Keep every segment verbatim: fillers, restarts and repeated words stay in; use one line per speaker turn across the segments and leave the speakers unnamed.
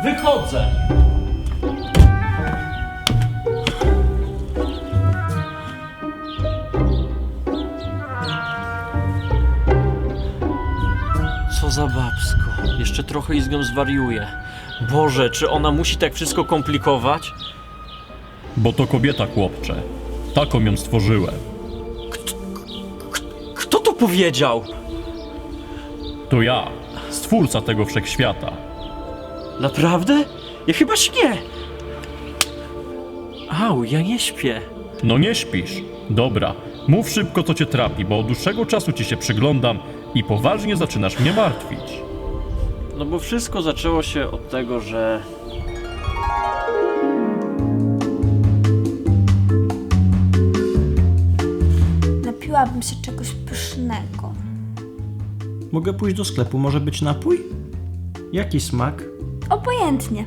Wychodzę! Co za babsko. Jeszcze trochę i z nią zwariuję. Boże, czy ona musi tak wszystko komplikować?
Bo to kobieta, chłopcze. Taką ją stworzyłem.
Kto to powiedział?
To ja, stwórca tego wszechświata.
Naprawdę? Ja chyba śnię. Au, ja nie śpię.
No nie śpisz. Dobra, mów szybko, co cię trapi, bo od dłuższego czasu ci się przyglądam i poważnie zaczynasz mnie martwić.
No bo wszystko zaczęło się od tego, że...
Napiłabym się czegoś pysznego.
Mogę pójść do sklepu, może być napój? Jaki smak?
Obojętnie.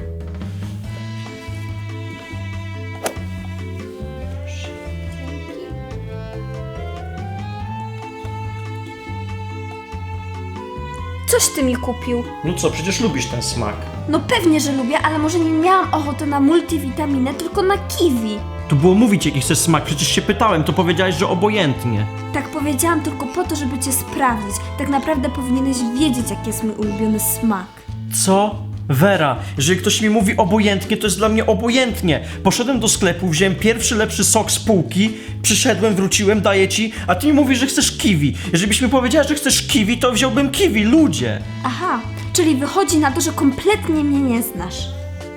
Coś ty mi kupił.
No co, przecież lubisz ten smak.
No pewnie, że lubię, ale może nie miałam ochoty na multivitaminę, tylko na kiwi.
Tu było mówić, jaki chcesz smak, przecież się pytałem, to powiedziałeś, że obojętnie.
Tak powiedziałam tylko po to, żeby cię sprawdzić. Tak naprawdę powinieneś wiedzieć, jaki jest mój ulubiony smak.
Co? Wera, jeżeli ktoś mi mówi obojętnie, to jest dla mnie obojętnie. Poszedłem do sklepu, wziąłem pierwszy lepszy sok z półki, przyszedłem, wróciłem, daję ci, a ty mi mówisz, że chcesz kiwi. Jeżeli byś mi powiedziała, że chcesz kiwi, to wziąłbym kiwi, ludzie.
Aha, czyli wychodzi na to, że kompletnie mnie nie znasz.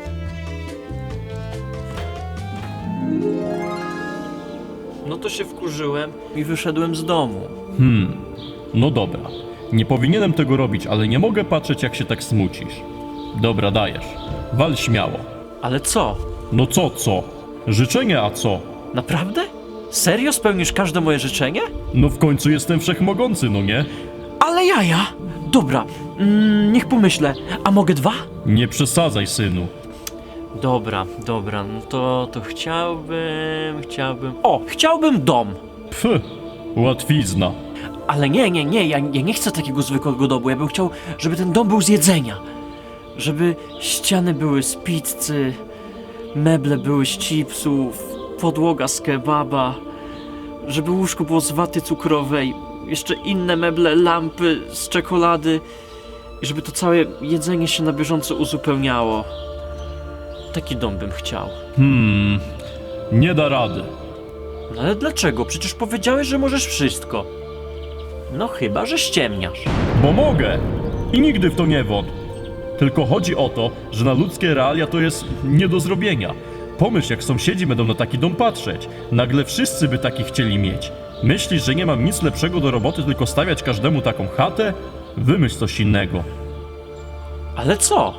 No to się wkurzyłem i wyszedłem z domu.
Hmm, no dobra. Nie powinienem tego robić, ale nie mogę patrzeć, jak się tak smucisz. Dobra, dajesz. Wal śmiało.
Ale co?
No co, co? Życzenie, a co?
Naprawdę? Serio spełnisz każde moje życzenie?
No w końcu jestem wszechmogący, no nie?
Ale jaja! Dobra, mm, niech pomyślę. A mogę dwa?
Nie przesadzaj, synu.
Dobra, dobra, no to, to chciałbym, chciałbym... O, chciałbym dom!
Pf, łatwizna.
Ale nie, nie, nie, ja, ja nie chcę takiego zwykłego domu. Ja bym chciał, żeby ten dom był z jedzenia. Żeby ściany były z pizzy, meble były z chipsów, podłoga z kebaba, żeby łóżko było z waty cukrowej, jeszcze inne meble, lampy z czekolady i żeby to całe jedzenie się na bieżąco uzupełniało. Taki dom bym chciał.
Hmm, nie da rady.
No ale dlaczego? Przecież powiedziałeś, że możesz wszystko. No chyba, że ściemniasz.
Bo mogę! I nigdy w to nie wątp. Tylko chodzi o to, że na ludzkie realia to jest nie do zrobienia. Pomyśl, jak sąsiedzi będą na taki dom patrzeć. Nagle wszyscy by taki chcieli mieć. Myślisz, że nie mam nic lepszego do roboty, tylko stawiać każdemu taką chatę? Wymyśl coś innego.
Ale co?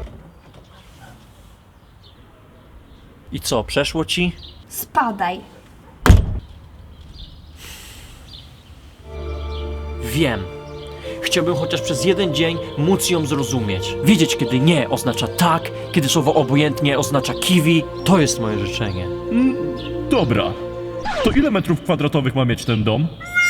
I co, przeszło ci?
Spadaj.
Wiem. Chciałbym chociaż przez jeden dzień móc ją zrozumieć. Wiedzieć, kiedy nie oznacza tak, kiedy słowo obojętnie oznacza kiwi. To jest moje życzenie.
Dobra. To ile metrów kwadratowych ma mieć ten dom?